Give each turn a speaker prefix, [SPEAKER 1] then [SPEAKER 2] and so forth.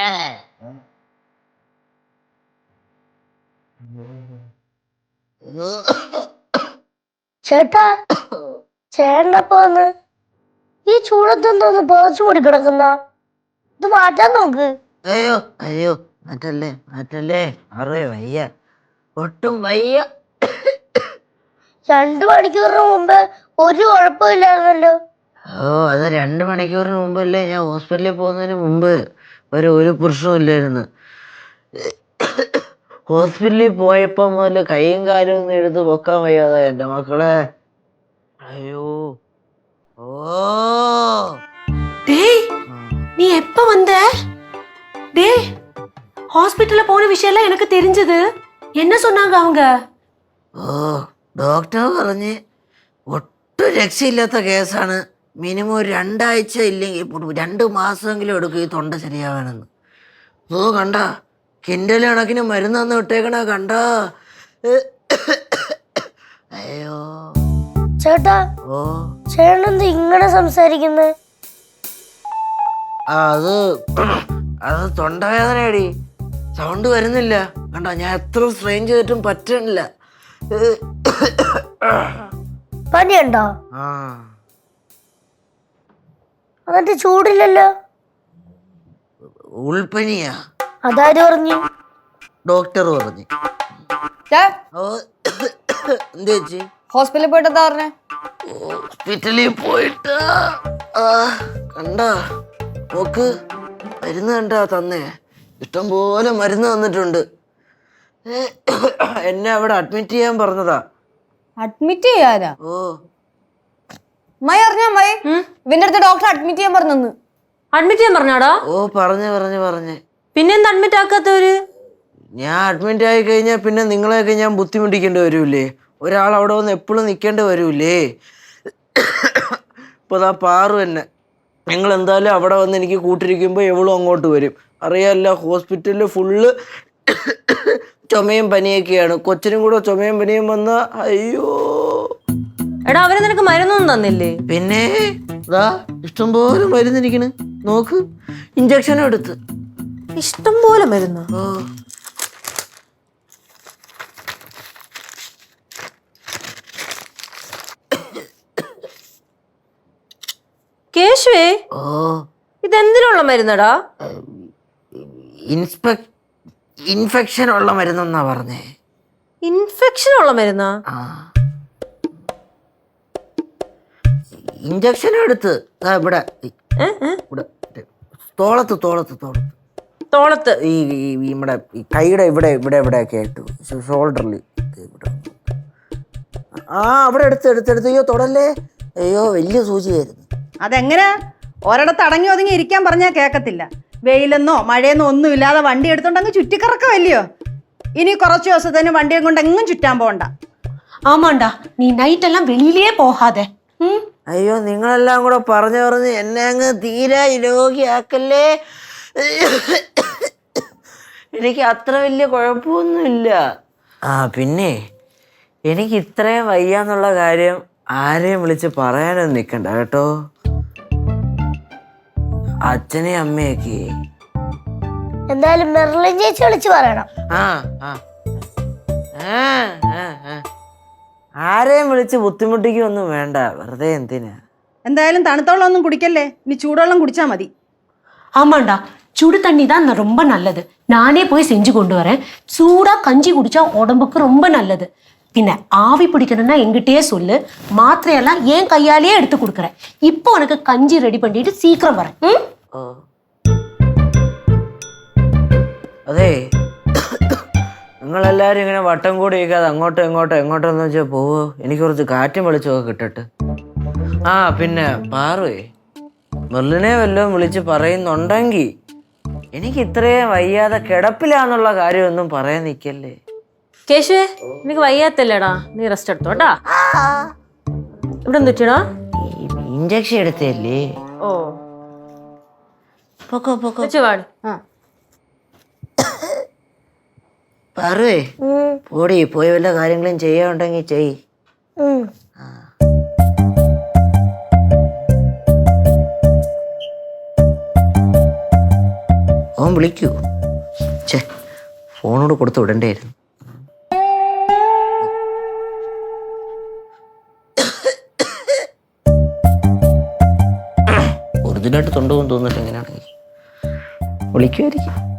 [SPEAKER 1] ചേട്ടാ, ചേട്ടനപ്പോ വന്ന് ഈ ചൂടത്തൊന്ന് പോച്ചു കൂടി കിടക്കുന്ന ഇത് മാറ്റാൻ നോക്ക്.
[SPEAKER 2] അയ്യോ അയ്യോ, മാറ്റല്ലേ മാറ്റല്ലേ, അറേ വയ്യ, ഒട്ടും വയ്യ.
[SPEAKER 1] 2 മണിക്കൂറിന് മുമ്പ് ഒരു കുഴപ്പമില്ലായിരുന്നല്ലോ.
[SPEAKER 2] ഓ, അത് 2 മണിക്കൂറിന് മുമ്പല്ലേ ഞാൻ ഹോസ്പിറ്റലിൽ പോകുന്നതിന് മുമ്പ് ഒരു പ്രശ്നവും ഇല്ലായിരുന്നു. ഹോസ്പിറ്റലിൽ പോയപ്പോ മുതല് കൈയും കാലും ഒന്നും എടുത്ത് പൊക്കാൻ വയ്യാതെ എന്റെ മക്കളെ. അയ്യോ. ഓ,
[SPEAKER 3] டேய், நீ எப்ப வந்த? டேய், ஹாஸ்பிட்டல்ல போன விஷயம்லாம் எனக்கு தெரிஞ்சது. என்ன சொன்னாங்க அவங்க?
[SPEAKER 2] ഓ, ഡോക്ടർ പറഞ്ഞ് ഒട്ടും രക്ഷയില്ലാത്ത കേസാണ്. മിനിമം 2 ആഴ്ച ഇല്ലെങ്കിൽ 2 മാസമെങ്കിലും എടുക്കും ഈ തൊണ്ട ശരിയാവാനെന്ന്. ഓ, കണ്ട കിൻഡൽ കണക്കിന് മരുന്ന് തന്ന് വിട്ടേക്കണ കണ്ട. അയ്യോ.
[SPEAKER 1] ചേട്ടാ,
[SPEAKER 2] ഓ,
[SPEAKER 1] ചേട്ടനെന്ത് ഇങ്ങനെ സംസാരിക്കുന്നത്?
[SPEAKER 2] അത് തൊണ്ടവേദനയടി, സൗണ്ട് വരുന്നില്ല. കണ്ട, ഞാൻ എത്ര സ്ട്രെയിൻ ചെയ്തിട്ടും പറ്റണില്ല.
[SPEAKER 1] പനിയുണ്ടോ?
[SPEAKER 2] ആ,
[SPEAKER 1] എന്നിട്ട് ചൂടില്ലല്ലോ.
[SPEAKER 2] ഉൾപ്പനിയാ
[SPEAKER 1] അതാര് പറഞ്ഞു?
[SPEAKER 2] ഡോക്ടർ പറഞ്ഞു. ഓ, എന്ത് ചേച്ചി?
[SPEAKER 4] ഹോസ്പിറ്റലിൽ പോയിട്ട് എന്താ പറഞ്ഞേ?
[SPEAKER 2] ഹോസ്പിറ്റലിൽ പോയിട്ട് കണ്ട നോക്ക്, മരുന്ന് കണ്ടാ തന്നേ, ഇഷ്ടം പോലെ മരുന്ന് തന്നിട്ടുണ്ട്. എന്നെ അവിടെ അഡ്മിറ്റ് ചെയ്യാൻ പറഞ്ഞതാ.
[SPEAKER 4] അഡ്മിറ്റ് ചെയ്യാനാ?
[SPEAKER 2] ഓ,
[SPEAKER 4] അമ്മായി അറിഞ്ഞ അമ്മായി, ഇവന്റെ അടുത്ത് ഡോക്ടർ അഡ്മിറ്റ് ചെയ്യാൻ പറഞ്ഞെന്ന്.
[SPEAKER 3] அட்மிட் ചെയ്യാൻ പറഞ്ഞാടാ?
[SPEAKER 2] ഓ, പറഞ്ഞ്
[SPEAKER 3] പിന്നെന്താ അഡ്മിറ്റ് ആക്കാത്തവര്?
[SPEAKER 2] ഞാൻ അഡ്മിറ്റ് ആയി കഴിഞ്ഞാൽ പിന്നെ നിങ്ങളെയൊക്കെ ഞാൻ ബുദ്ധിമുട്ടിക്കേണ്ടി വരൂലേ? ഒരാൾ അവിടെ വന്ന് എപ്പോഴും നിൽക്കേണ്ടി വരൂലേ? ഇപ്പോൾ അതാ പാറു തന്നെ, നിങ്ങൾ എന്തായാലും അവിടെ വന്ന് എനിക്ക് കൂട്ടിരിക്കുമ്പോൾ എവളും അങ്ങോട്ട് വരും. അറിയാമല്ല, ഹോസ്പിറ്റലിൽ ഫുള്ള് ചുമയും പനിയൊക്കെയാണ്. കൊച്ചിനും കൂടെ ചുമയും പനിയും വന്ന അയ്യോ.
[SPEAKER 3] എടാ, അവര് നിനക്ക് മരുന്നൊന്നും തന്നില്ലേ?
[SPEAKER 2] പിന്നെ ഇതാ ഇഷ്ടംപോലെ മരുന്നിരിക്കണ്, നോക്ക്, ഇഞ്ചക്ഷനും എടുത്ത്.
[SPEAKER 3] ഇഷ്ടം പോലെ മരുന്ന്.
[SPEAKER 2] ഓ,
[SPEAKER 3] കേശുവേ,
[SPEAKER 2] ഓ,
[SPEAKER 3] ഇതെന്തിനുള്ള മരുന്നടാ?
[SPEAKER 2] ഇൻഫെക്ഷൻ ഉള്ള മരുന്നെന്നാ പറഞ്ഞേ.
[SPEAKER 3] ഇൻഫെക്ഷൻ ഉള്ള മരുന്നാ?
[SPEAKER 2] ആ, ഇഞ്ചക്ഷൻ എടുത്ത് ഇവിടെ ഇവിടെ തോളത്ത് ഈ നമ്മുടെ ഈ കൈയുടെ ഇവിടെ ഒക്കെ ആയിട്ട് ഷോൾഡറിൽ ഇവിടെ. ആ, അവിടെ എടുത്ത്. അയ്യോ തൊടല്ലേ, അയ്യോ വലിയ സൂചിയായിരുന്നു.
[SPEAKER 5] അതെങ്ങനെ? ഒരിടത്ത് അടങ്ങി ഒതുങ്ങി ഇരിക്കാൻ പറഞ്ഞാൽ കേൾക്കത്തില്ല. വെയിലെന്നോ മഴയെന്നോ ഒന്നും ഇല്ലാതെ വണ്ടി എടുത്തോണ്ട് അങ്ങ് ചുറ്റിക്കറക്കമല്ലയോ. ഇനി കുറച്ച് ദിവസത്തിന് വണ്ടിയും കൊണ്ട് എങ്ങും ചുറ്റാൻ പോകണ്ട.
[SPEAKER 3] ആമാണ്ടാ, നീ നൈറ്റ് എല്ലാം വെളിയിലേ പോകാതെ.
[SPEAKER 2] അയ്യോ, നിങ്ങളെല്ലാം കൂടെ പറഞ്ഞ് എന്നെ അങ്ങ് തീരെ രോഗിയാക്കല്ലേ. എനിക്ക് അത്ര വലിയ കുഴപ്പമൊന്നുമില്ല. ആ, പിന്നെ എനിക്ക് ഇത്രയും വയ്യാന്നുള്ള കാര്യം ആരെയും വിളിച്ച് പറയാനൊന്നും നിൽക്കണ്ട കേട്ടോ. അച്ഛനെയും അമ്മയൊക്കെ
[SPEAKER 1] എന്തായാലും മെർലിൻ ചേച്ചി വിളിച്ച് പറയണം.
[SPEAKER 2] ആരെയും വിളിച്ച് ബുദ്ധിമുട്ടിക്കൊന്നും വേണ്ട, വെറുതെ എന്തിനാ.
[SPEAKER 5] എന്തായാലും തണുത്തോളം ഒന്നും കുടിക്കല്ലേ, ഇനി ചൂടുവെള്ളം കുടിച്ചാൽ മതി.
[SPEAKER 3] ஆமாண்டா, சுடு தண்ணி தான் ரொம்ப நல்லது. நானே போய் செஞ்சு கொண்டு வரேன். சூடா கஞ்சி குடிச்சா உடம்புக்கு ரொம்ப நல்லது. பின்ன ஆவி பிடிக்கணும்னா எங்கிட்டயே சொல்லு, மாத்திரையெல்லாம் ஏன் கையாலேயே எடுத்து கொடுக்குறேன். இப்போ உனக்கு கஞ்சி ரெடி பண்ணிட்டு சீக்கிரம் வரேன்.
[SPEAKER 2] അതെ, നിങ്ങളെല്ലാരും ഇങ്ങനെ വട്ടം കൂടി ഇരിക്കാതെ എങ്ങോട്ടെന്ന് വെച്ചാൽ പോവോ. എനിക്ക് കുറച്ച് കാറ്റും വെളിച്ചമൊക്കെ കിട്ടട്ടെ. ആ, പിന്നെ പാറുവേ, മെർലിനെ വല്ലതും വിളിച്ച് പറയുന്നുണ്ടെങ്കിൽ എനിക്ക് ഇത്രയും വയ്യാതെ കിടപ്പിലാന്നുള്ള കാര്യമൊന്നും പറയാൻ നിൽക്കല്ലേ.
[SPEAKER 3] കേശുവേ, നിനക്ക് വയ്യാത്തല്ലേടാ, നീ റെസ്റ്റ് എടുത്തോട്ടാ. ഇവിടെ നിൽക്കണോ?
[SPEAKER 2] ഇഞ്ചക്ഷൻ എടുത്തല്ലേ.
[SPEAKER 3] ഓ, പാടി.
[SPEAKER 2] പാറുവേ, പോയി വല്ല കാര്യങ്ങളും ചെയ്യാനുണ്ടെങ്കിൽ ചെയ്. ഓൻ ഇപ്പം വിളിക്കൂ. ഛേ, ഫോണോട് കൊടുത്ത് വിടണ്ടായിരുന്നു. ഒറിജിനായിട്ട് തൊണ്ടുപോകും തോന്നിട്ട് എങ്ങനെയാണെങ്കിൽ വിളിക്കുമായിരിക്കും.